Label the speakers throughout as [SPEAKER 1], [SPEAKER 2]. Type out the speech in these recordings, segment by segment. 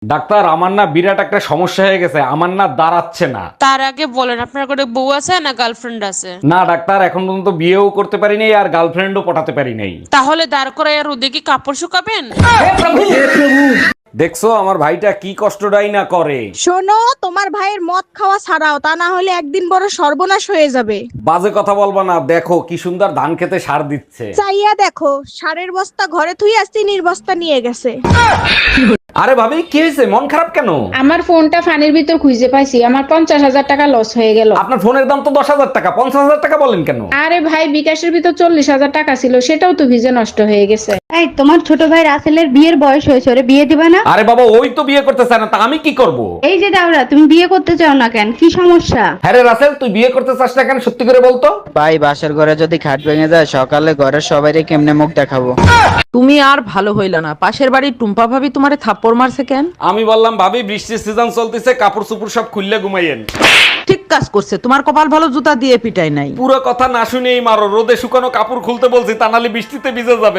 [SPEAKER 1] Doctor, আমার না বিরাট একটা সমস্যা হয়ে গেছে, আমার না দাঁড়াচ্ছে না।
[SPEAKER 2] তার আগে বলেন আপনার কোনো বউ আছে না গার্লফ্রেন্ড আছে?
[SPEAKER 1] না ডাক্তার, এখন পর্যন্ত বিয়েও করতে পারি নাই আর গার্লফ্রেন্ডও পটাতে পারি নাই।
[SPEAKER 2] তাহলে দাঁড় করায় আর ওদিকে কাপড় শুকাবেন?
[SPEAKER 1] দেখছো আমার ভাইটা কি কষ্টটাই না করে।
[SPEAKER 3] শোনো, তোমার ভাইয়ের মদ খাওয়া ছাড়াও, তা না হলে একদিন বড় সর্বনাশ হয়ে যাবে।
[SPEAKER 1] বাজে কথা বলবা না, দেখো কি সুন্দর ধান খেতে সার দিচ্ছে।
[SPEAKER 3] চাইয়া দেখো, সারের বস্তা ঘরে থুই আসছি, নির্বস্তা নিয়ে গেছে।
[SPEAKER 1] আরে ভাবি, কি হয়েছে, মন খারাপ কেন?
[SPEAKER 4] আমার ফোনটা ফানির ভিতর খুঁজে পাইছি, আমার 50,000 টাকা লস হয়ে গেল।
[SPEAKER 1] আপনার ফোনের দাম তো 10,000 টাকা, 50,000 টাকা বলেন কেন?
[SPEAKER 4] আরে ভাই, বিকাশের ভিতর 40,000 টাকা ছিল, সেটাও তো ভিজে নষ্ট হয়ে গেছে।
[SPEAKER 5] এই তোমার ছোট ভাই রাসেলের বিয়ের বয়স হয়েছে, ওরে বিয়ে দিবা না?
[SPEAKER 1] আরে বাবা, ওই তো বিয়ে করতে চায় না, তা আমি কি করব?
[SPEAKER 5] এই যে দাওরা, তুমি বিয়ে করতে চাও না কেন, কি সমস্যা?
[SPEAKER 1] হ্যাঁ রে রাসেল, তুই বিয়ে করতে চাস না কেন, সত্যি করে বলতো।
[SPEAKER 6] ভাই, বাসার ঘরে যদি খাট ভেঙে যায়, সকালে ঘরের সবাইরে কেমনে মুখ দেখাবো?
[SPEAKER 7] তুমি আর ভালো হইলা না, পাশের বাড়ির টুম্পা ভাবি তোমারে থাপ্পড় মারছে কেন?
[SPEAKER 1] আমি বললাম ভাবি, বৃষ্টির সিজন চলতেছে, কাপড় চোপড় সব খুললে ঘুমাইয়েন।
[SPEAKER 7] ঠিক কাজ করছে, তোমার কপাল ভালো, জুতা দিয়ে পিটাই নাই।
[SPEAKER 1] পুরো কথা না শুনেই মারো, রোদে শুকানো কাপড় খুলতে বলছি, তা নাহলে বৃষ্টিতে ভিজে যাবে।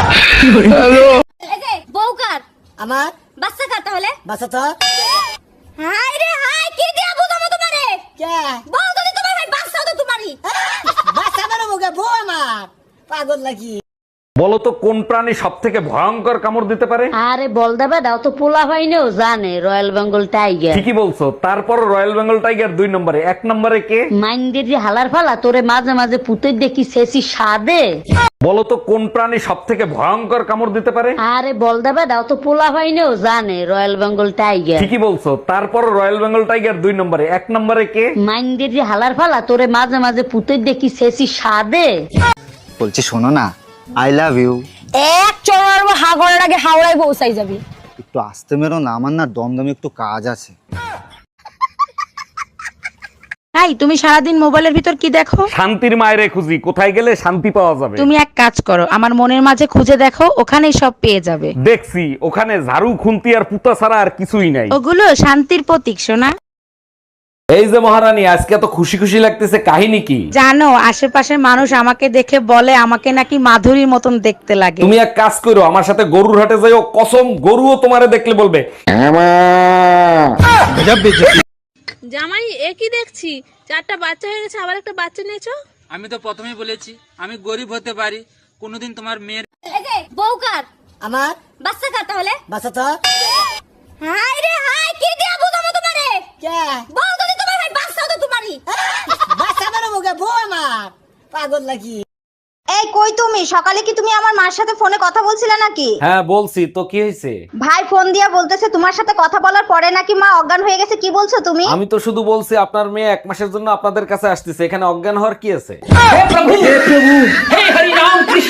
[SPEAKER 8] বউকার
[SPEAKER 9] আমার
[SPEAKER 8] বাচ্চা কার তাহলে
[SPEAKER 9] বাসা তো
[SPEAKER 8] হাই রে হাই কি দিয়া বুঝাবো তোমারে
[SPEAKER 9] কে
[SPEAKER 8] বউ যদি তোমার ভাই বাচ্চা তো তোমারই
[SPEAKER 9] বাসা বেরো মুখে বউ আমার পাগল নাকি?
[SPEAKER 1] বলো তো কোন প্রাণী সব থেকে ভয়ঙ্কর কামড় দিতে পারে?
[SPEAKER 10] আরে বল দেবে দাও তো, পোলা ভাইনেও জানে রয়্যাল বেঙ্গল টাইগার।
[SPEAKER 1] ঠিকই বলছো, তারপর রয়্যাল বেঙ্গল টাইগার 2 নম্বরে, 1 নম্বরে কে?
[SPEAKER 10] মাইন্ডের যে হালার ফালা তোরে মাঝে মাঝে পুতে দেখি শেষি সাদে।
[SPEAKER 1] বলো তো কোন প্রাণী সব থেকে ভয়ঙ্কর কামড় দিতে পারে?
[SPEAKER 10] আরে বল দেবে দাও তো, পোলা ভাইনেও জানে রয়্যাল বেঙ্গল টাইগার।
[SPEAKER 1] ঠিকই বলছো, তারপর রয়্যাল বেঙ্গল টাইগার 2 নম্বরে, 1 নম্বরে কে?
[SPEAKER 10] মাইন্ডের যে হালার ফালা তোরে মাঝে মাঝে পুতে দেখি শেষি সাদে।
[SPEAKER 6] বলছি শোনো না, আই লাভ ইউ।
[SPEAKER 8] এক চড়ার হাগরের আগে হাওড়ায় পৌঁছাই যাবি।
[SPEAKER 6] একটু আসতে মেরো না, আমার না দমদমে একটু কাজ আছে।
[SPEAKER 3] এই, তুমি সারাদিন মোবাইলের ভিতর কি দেখো?
[SPEAKER 1] শান্তির মায়েরে খুঁজি, কোথায় গেলে শান্তি পাওয়া যাবে।
[SPEAKER 3] তুমি এক কাজ করো, আমার মনের মাঝে খুঁজে দেখো, ওখানেই সব পেয়ে যাবে।
[SPEAKER 1] দেখছি, ওখানে ঝাড়ু খুন্তি আর পুতা ছাড়া আর কিছুই নাই।
[SPEAKER 3] ওগুলো শান্তির প্রতীক সোনা।
[SPEAKER 1] এই যে মহারানী, আজকে তো খুশি খুশি লাগতেছে, কাহিনী কি?
[SPEAKER 3] জানো, আশেপাশের মানুষ আমাকে দেখে বলে আমাকে নাকি মাধুরীর মতন দেখতে লাগে।
[SPEAKER 1] তুমি এক কাজ করো, আমার সাথে গরুর হাটে যাইও, কসম গরুও তোমারে দেখলে বলবে।
[SPEAKER 2] জামাই একই দেখছি, 4টা বাচ্চা হয়ে গেছে, আবার একটা বাচ্চা নিয়েছো।
[SPEAKER 11] আমি তো প্রথমেই বলেছি আমি গরিব হতে পারি, কোনোদিন তোমার মেয়ের।
[SPEAKER 8] এই যে বউকার
[SPEAKER 9] আমার
[SPEAKER 8] বাচ্চা কার তাহলে
[SPEAKER 9] বাসা তো
[SPEAKER 8] হাই রে হাই কি দিয়া বুঝাবো তোমারে
[SPEAKER 9] কে
[SPEAKER 8] বউ যদি তোমার ভাই বাচ্চা তো তোমারই
[SPEAKER 9] বাসা বেরো মুখে বউ আমার পাগল নাকি?
[SPEAKER 5] এই কই তুমি? সকালে কি তুমি আমার মার সাথে ফোনে কথা বলছিলে নাকি?
[SPEAKER 1] হ্যাঁ বলছি তো, কি হয়েছে?
[SPEAKER 5] ভাই ফোন দিয়া বলতেছে তোমার সাথে কথা বলার পরে নাকি মা অজ্ঞান হয়ে গেছে, কি বলছো তুমি?
[SPEAKER 1] আমি তো শুধু বলছি আপনার মেয়ে 1 মাসের জন্য আপনাদের কাছে আসতেছে, এখানে অজ্ঞান হওয়ার কি আছে?